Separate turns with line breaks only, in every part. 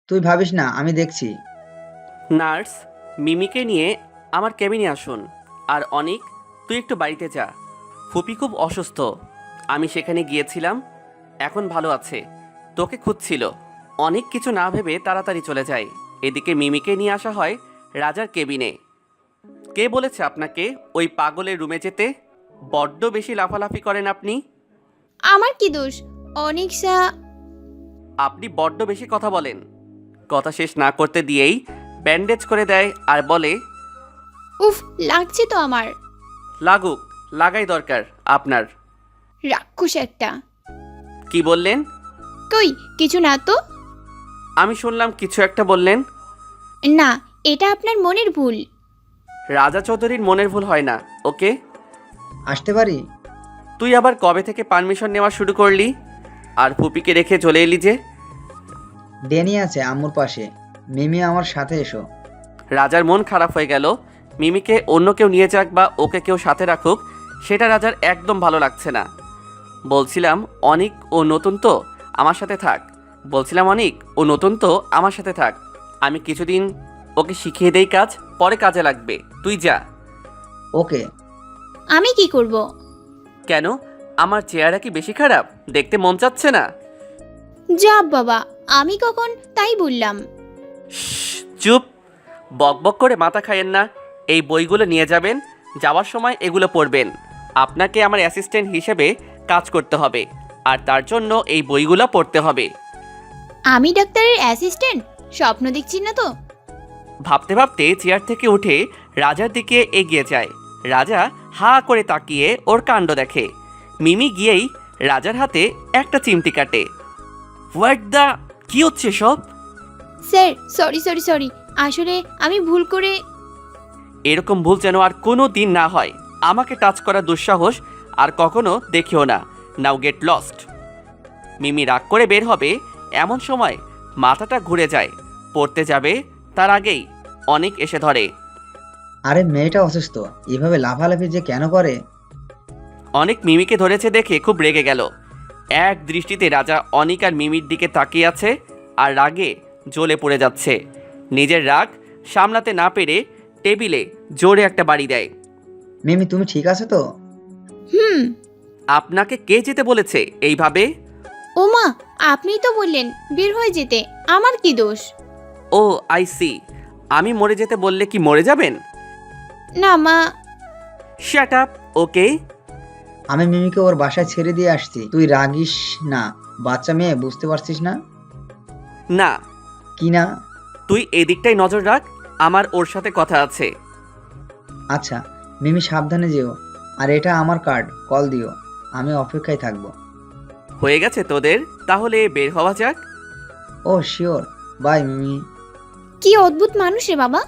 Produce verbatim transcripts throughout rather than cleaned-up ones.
তুই ভাবিস না, আমি দেখছি।
নার্স, মিমিকে নিয়ে আমার কেবিনে আসুন। আর অনিক, তুই একটু বাড়িতে যা। ফুপি খুব অসুস্থ। আমি সেখানে গিয়েছিলাম, এখন ভালো আছে। তোকে খুঁজছিল। অনেক কিছু না ভেবে তাড়াতাড়ি চলে যায়। এদিকে মিমিকে নিয়ে আসা হয় রাজার কেবিনে। কে বলেছে আপনাকে ওই পাগলের রুমে যেতে? বড্ড বেশি লাফালাফি করেন আপনি।
আমার কি দোষ? অনেক সা
আপনি বড্ড বেশি কথা বলেন। কথা শেষ না করতে দিয়েই ব্যান্ডেজ করে দেয় আর বলে,
উফ, লাগছে তো আমার।
লাগুক, লাগাই দরকার আপনার।
রাক্ষস একটা।
কি বললেন?
কই কিছু না তো।
আমি শুনলাম কিছু একটা বললেন।
না, এটা আপনার মনের ভুল।
রাজা চৌধুরীর মনের ভুল হয় না, ওকে?
আসতে পারি?
তুই আবার কবে থেকে পারমিশন নেওয়া শুরু করলি? আর ফুপিকে রেখে চলে এলি যে?
ড্যানি আছে আম্মুর পাশে। মিমি আমার সাথে এসো।
রাজার মন খারাপ হয়ে গেল। মিমিকে অন্য কেউ নিয়ে যাক বা ওকে কেউ সাথে রাখুক, সেটা রাজার একদম ভালো লাগছে না। বলছিলাম অনিক ও নতুন তো, আমার সাথে থাক। বলছিলাম অনিক ও নতুন তো আমার সাথে থাক। আমি কিছুদিন ওকে শিখিয়ে দেই কাজ, পরে কাজে লাগবে। তুই যা।
ওকে।
আমি কি করব?
কেন? আমার চেহারা কি বেশি খারাপ? দেখতে মন চাচ্ছে না?
যা বাবা, আমি কখন তাই বললাম?
শ্শ্, চুপ। বকবক করে মাথা খাইয়েন না। এই বইগুলো নিয়ে যাবেন, যাওয়ার সময় এগুলো পড়বেন। আপনাকে আমার অ্যাসিস্ট্যান্ট হিসেবে কাজ করতে হবে, আর তার জন্য এই বইগুলো পড়তে হবে।
আমি ডাক্তারের অ্যাসিস্ট্যান্ট? স্বপ্ন দেখছি না তো?
ভাবতে ভাবতে চেয়ার থেকে উঠে রাজার দিকে এগিয়ে যায়। রাজা হা করে তাকিয়ে ওর কাণ্ড দেখে। মিমি গিয়েই রাজার হাতে একটা চিমটি কাটে। হোয়াট দ্য, কি হচ্ছে সব?
স্যার, সরি সরি সরি, আসলে আমি ভুল করে।
এরকম ভুল যেন আর কোনো দিন না হয়। আমাকে টাচ করার দুঃসাহস আর কখনো দেখিও না। নাও গেট লস্ট। মিমি রাগ করে বের হবে, এমন সময় মাথাটা ঘুরে যায়। পড়তে যাবে তার আগেই অনেক এসে ধরে।
আরে মেয়েটা অসুস্থ, এভাবে লাফালাফি যে কেন করে?
অনেক মিমিকে ধরেছে দেখে খুব রেগে গেল। এক দৃষ্টিতে রাজা অনিক আর মিমির দিকে তাকিয়ে আছে আর রাগে জ্বলে পড়ে যাচ্ছে। নিজের রাগ সামলাতে না পেরে টেবিলে জোরে একটা বাড়ি দেয়।
মিমি তুমি ঠিক আছো তো?
হুম।
আপনাকে কে যেতে বলেছে এইভাবে?
ওমা, আপনিই তো বললেন বের হয়ে যেতে, আমার কি দোষ?
Oh I see. আমি মরে যেতে বললে কি মরে যাবেন?
না মা।
Shut up, okay?
আমি মিমিকে ওর বাসায় ছেড়ে দিয়ে আসছি, তুই রাগিস না। বাচ্চা মেয়ে, বুঝতে পারছিস না?
না,
কি না?
তুই এদিকটাই নজর রাখ, আমার ওর সাথে কথা আছে।
আচ্ছা মিমি, সাবধানে যেও। আর এটা আমার কার্ড, কল দিও। আমি অপেক্ষায় থাকবো।
হয়ে গেছে তোদের, তাহলে বের হওয়া যাক।
Oh sure, bye Mimi.
কি অদ্ভুত মানুষ রে বাবা।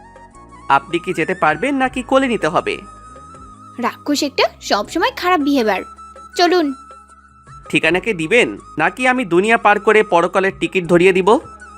আপনি কি যেতে পারবেন নাকি কোলে নিতে হবে?
রাক্ষস একটা, সবসময় খারাপ বিহেভিয়ার। চলুন।
ঠিকানাকে দিবেন নাকি আমি দুনিয়া পার করে পরকালের টিকিট ধরিয়ে দিব?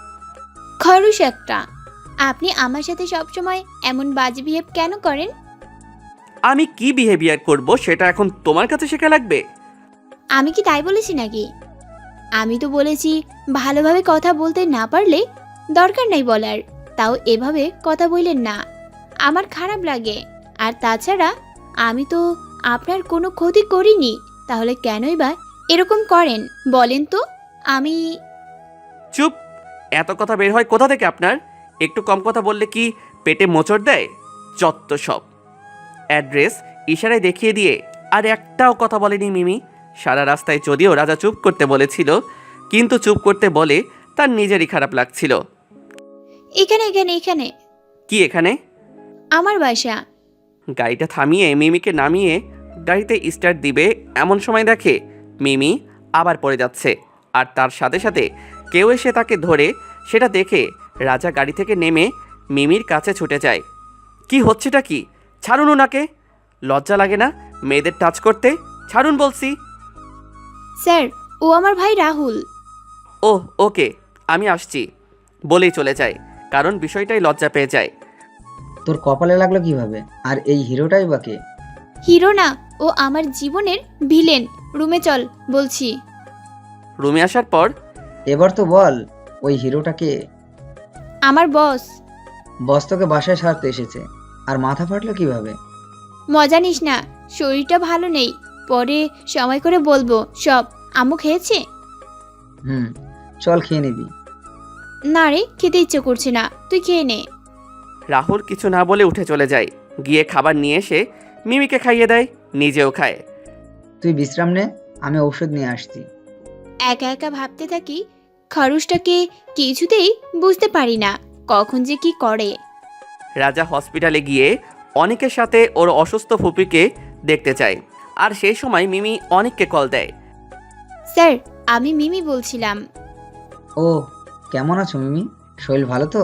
খরুশ একটা, আপনি আমার সাথে সবসময় এমন বাজে বিহেভ কেন করেন?
আমি কি বিহেভিয়ার করব সেটা এখন তোমার কাছে শেখা লাগবে?
আমি কি তাই বলেছি নাকি? আমি তো বলেছি ভালোভাবে কথা বলতে না পারলে দরকার নাই বলার, তাও এভাবে কথা বললেন না, আমার খারাপ লাগে। আর তাছাড়া আমি তো আপনার কোনো ক্ষতি করিনি, তাহলে কেনই বা এরকম করেন বলেন তো? আমি
চুপ। এত কথা বের হয় কোথা থেকে আপনার? একটু কম কথা বললে কি পেটে মোচড় দেয়? যত সব। অ্যাড্রেস ইশারায় দেখিয়ে দিয়ে আর একটাও কথা বলেনি মিমি। সারা রাস্তায় যদিও রাজা চুপ করতে বলেছিল, কিন্তু চুপ করতে বলে তার নিজেরই খারাপ লাগছিল।
এখানে এখানে এখানে
কি এখানে?
আমার বাসা।
গাড়িটা থামিয়ে মিমিকে নামিয়ে গাড়িতে স্টার্ট দিবে এমন সময় দেখে মিমি আবার পড়ে যাচ্ছে, আর তার সাথে সাথে কেউ এসে তাকে ধরে। সেটা দেখে রাজা গাড়ি থেকে নেমে মিমির কাছে ছুটে যায়। কি হচ্ছেটা কি? ছাড়ুন ওনাকে। লজ্জা লাগে না মেয়েদের টাচ করতে? ছাড়ুন বলছি।
স্যার, ও আমার ভাই রাহুল।
ওহ ওকে, আমি আসছি বলেই চলে যায়, কারণ বিষয়টাই লজ্জা পেয়ে যায়।
তোর কপালে লাগলো কিভাবে? আর এই হিরোটাই বা কে?
হিরো না, ও আমার জীবনের ভিলেন। রুমে চল বলছি।
রুমে আসার পর
এবার তো বল, ওই হিরোটা কে?
আমার বস।
বস তোকে বাসায় সারতে এসেছে, আর মাথা ফাটলো কিভাবে?
মজা নিস না, শরীরটা ভালো নেই, পরে সময় করে বলবো সব। আম্মু খেয়েছে?
হুম, চল খেয়ে নিবি।
না রে, খেতে ইচ্ছে করছে না, তুই খেয়ে নে।
রাহুল কিছু না বলে উঠে চলে যায়, গিয়ে খাবার নিয়ে এসে মিমিকে খাইয়ে দেয়, নিজেও খায়।
তুই বিশ্রাম নে, আমি ঔষধ নিয়ে আসছি।
একা একা ভাবতে থাকি, খরচটাকে কিছুতেই বুঝতে পারি না কখন যে কি করে।
রাজা হসপিটালে গিয়ে অনেকের সাথে ওর অসুস্থ ফুপিকে দেখতে চায়, আর সেই সময় মিমি অনেককে কল দেয়।
স্যার, আমি মিমি বলছিলাম।
ও, কেমন আছো মিমি? শরীর ভালো তো?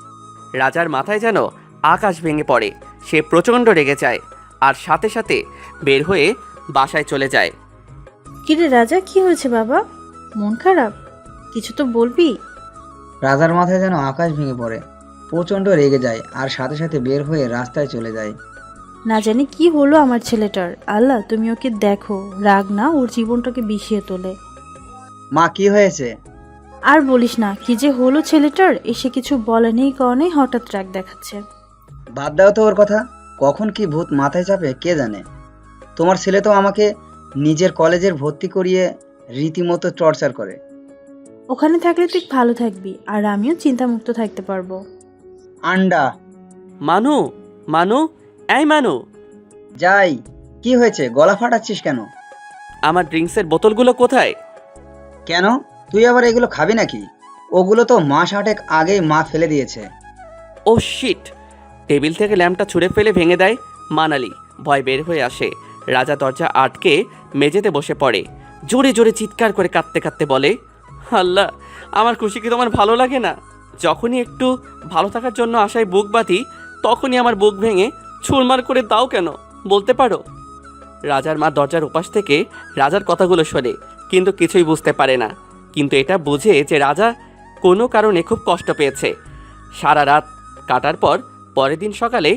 রাজার মাথায় যেন আকাশ ভেঙে পড়ে, সে প্রচণ্ড রেগে যায় আর সাথে সাথে বের হয়ে বাসায় চলে যায়।
কিরে রাজা, কি হয়েছে বাবা? মন খারাপ? কিছু তো বলবি।
রাজার মাথায় যেন আকাশ ভেঙে পড়ে, প্রচণ্ড রেগে যায় আর সাথে সাথে বের হয়ে রাস্তায় চলে যায়।
না জানি কি হলো আমার ছেলেটার। আল্লাহ, তুমি ওকে দেখো, রাগ না ওর জীবনটাকে বিষিয়ে তোলে।
মা, কি হয়েছে?
আর বলিস না, কি যে হলো ছেলেটার, এসে কিছু বলেনি কারণে হঠাৎ রাগ দেখাচ্ছে।
বাদ দাও তো ওর কথা, কখন কি ভূত মাথায় চাপে কে জানে। তোমার ছেলে তো আমাকে নিজের কলেজের ভর্তি করিয়ে রীতিমতো টর্চার করে।
ওখানে থাকলে তুই ভালো থাকবি, আর আমিও চিন্তামুক্ত থাকতে পারবো।
আন্ডা।
মানু, মানু, এই মানু।
যাই, কি হয়েছে? গলা ফাটাচ্ছিস কেন?
আমার ড্রিঙ্কসের বোতলগুলো কোথায়?
কেন, তুই আবার এগুলো খাবি নাকি? ওগুলো তো মাস আটেক আগেই মা ফেলে দিয়েছে।
ও শিট! টেবিল থেকে ল্যাম্পটা ছুঁড়ে ফেলে ভেঙে দেয় মানালি। ভয় বের হয়ে আসে, রাজা দরজা আটকে মেঝেতে বসে পড়ে, জোরে জোরে চিৎকার করে কাঁদতে কাঁদতে বলে, আল্লাহ, আমার খুশি কি তোমার ভালো লাগে না? যখনই একটু ভালো থাকার জন্য আশায় বুক বাঁধি, তখনই আমার বুক ভেঙে ছুরমার করে দাও কেন, বলতে পারো? রাজার মা দরজার উপাস থেকে রাজার কথাগুলো শোনে, কিন্তু কিছুই বুঝতে পারে না। কিন্তু এটা বুঝে যে রাজা কোনো কারণে খুব কষ্ট পেয়েছে। সারা রাত কাটার পর পরের দিন সকালে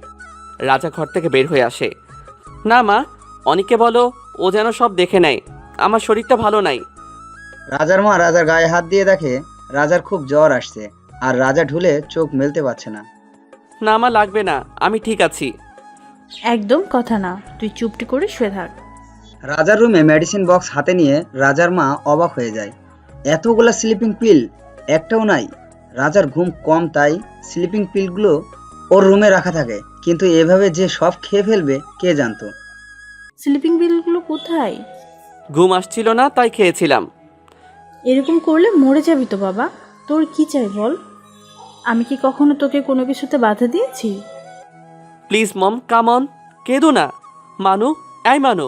রাজা ঘর থেকে বের হয়ে আসে। না মা, অনেকে বলো ও যেন সব দেখে নেয়, আমার শরীরটা ভালো নাই।
রাজার মা রাজার গায়ে হাত দিয়ে দেখে রাজার খুব জ্বর আসছে, আর রাজা ঢুলে চোখ মেলতে পারছে না।
না মা, লাগবে না, আমি ঠিক আছি।
একদম কথা না, তুই চুপটি করে শুয়ে থাক।
রাজার রুমে মেডিসিন বক্স হাতে নিয়ে রাজার মা অবাক হয়ে যায়। এতগুলা স্লিপিং পিল, একটাও নাই। রাজার ঘুম কম, তাই স্লিপিং পিলগুলো ওর রুমে রাখা থাকে, কিন্তু এভাবে যে সব খেয়ে ফেলবে কে জানতো।
স্লিপিং বিলগুলো কোথায়?
ঘুম আসছিল না তাই খেয়েছিলাম।
এরকম করলে মরে যাবি তো বাবা। তোর কি চাই বল? আমি কি কখনো তোকে কোনো কিছুতে বাধা দিয়েছি?
প্লিজ মম, কাম অন, কেঁদো না। মানু, এই মানু।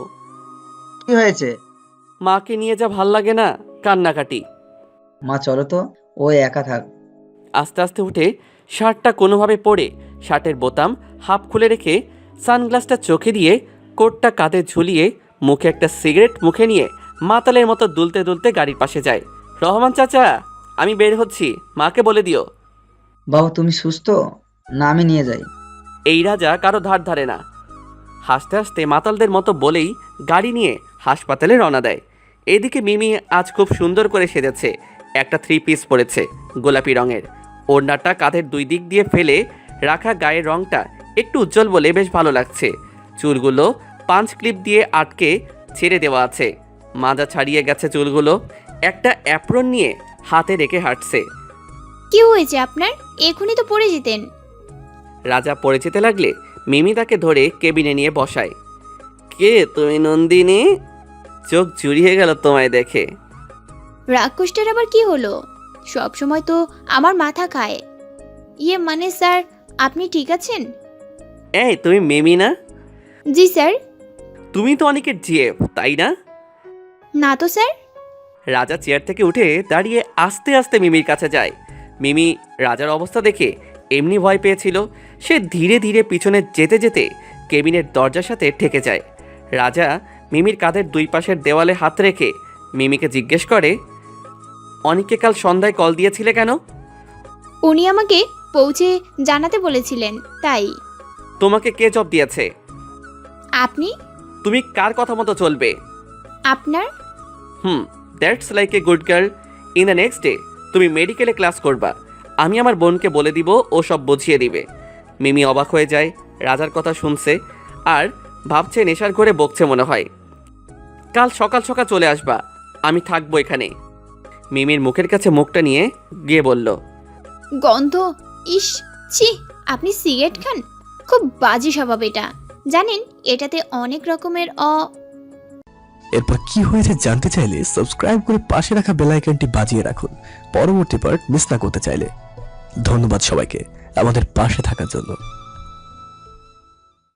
কি হয়েছে?
মাকে নিয়ে যা ভাল লাগে না, কান্নাকাটি।
মা চলো তো, ও একা থাক।
আস্তে আস্তে উঠে শার্টটা কোনোভাবে পরে শার্টের বোতাম হাফ খুলে রেখে সানগ্লাসটা চোখে দিয়ে কোটটা কাঁধে ঝুলিয়ে মুখে একটা সিগারেট মুখে নিয়ে মাতালের মতো দুলতে দুলতে গাড়ির পাশে যায়। রহমান চাচা, আমি বের হচ্ছি, মাকে বলে দিও।
বাবা, তুমি সুস্থ? না আমি নিয়ে যাই।
এই রাজা কারো ধার ধারে না। হাসতে হাসতে মাতালদের মতো বলেই গাড়ি নিয়ে হাসপাতালে রওনা দেয়। এদিকে মিমি আজ খুব সুন্দর করে সেজেছে, একটা থ্রি পিস পরেছে গোলাপি রঙের। ওড়নাটা কাঁধের দুই দিক দিয়ে ফেলে রাখা গায়ের রঙটা একটু উজ্জ্বল বলে বেশ ভালো লাগছে। চুলগুলো পাঁচ ক্লিপ দিয়ে আটকে ছেড়ে দেওয়া আছে, মাজা ছাড়িয়ে গেছে চুলগুলো। একটা অ্যাপ্রন নিয়ে হাতে রেখে হাঁটছে।
কি হয়েছে আপনার? এখনই তো পড়ে যেতেন।
রাজা পড়ে যেতে লাগলে মিমি তাকে ধরে কেবিনে নিয়ে বসায়। কে তুমি নন্দিনী? চোখ জুড়িয়ে গেল তোমায় দেখে।
রাক্ষসটার আবার কি হলো? সব সময় তো আমার মাথা খায়। ইয়ে মানে স্যার, আপনি ঠিক আছেন?
এই, তুমি মিমি না?
জি স্যার।
তুমি তো অনেকের জিএফ, তাই না?
না তো স্যার।
রাজা চেয়ার থেকে উঠে দাঁড়িয়ে আস্তে আস্তে মিমির কাছে যায়। মিমি রাজার অবস্থা দেখে এমনি ভয় পেয়েছিল, সে ধীরে ধীরে পিছনে যেতে যেতে কেবিনের দরজার সাথে ঠেকে যায়। রাজা মিমির কাঁধের দুই পাশের দেওয়ালে হাত রেখে মিমিকে জিজ্ঞেস করে, অনেককে কাল সন্ধ্যায় কল দিয়েছিলে কেন?
উনি আমাকে পৌঁছে জানাতে বলেছিলেন, তাই।
তোমাকে কে জব দিয়েছে?
আপনি।
তুমি কার কথা মতো চলবে?
আপনার।
Hmm, that's like a good girl. In the next day তুমি মেডিকেলে ক্লাস করবা, আমি আমার বোনকে বলে দিব, ও সব বুঝিয়ে দিবে। মিমি অবাক হয়ে যায়, রাজার কথা শুনছে আর ভাবছে নেশার ঘরে বকছে মনে হয়। কাল সকাল সকাল চলে আসবা, আমি থাকবো এখানে। মিমির মুখের কাছে মুখটা নিয়ে গিয়ে বলল,
গন্ধ, ইস, ছি, আপনি সিগারেট খান? খুব বাজে স্বভাব এটা। জানেন এটাতে অনেক রকমের অ
এরপর কি হয়েছে জানতে চাইলে সাবস্ক্রাইব করে পাশে রাখা বেল আইকনটি বাজিয়ে রাখুন পরবর্তী পার্ট মিস না করতে চাইলে। ধন্যবাদ সবাইকে আমাদের পাশে থাকার জন্য।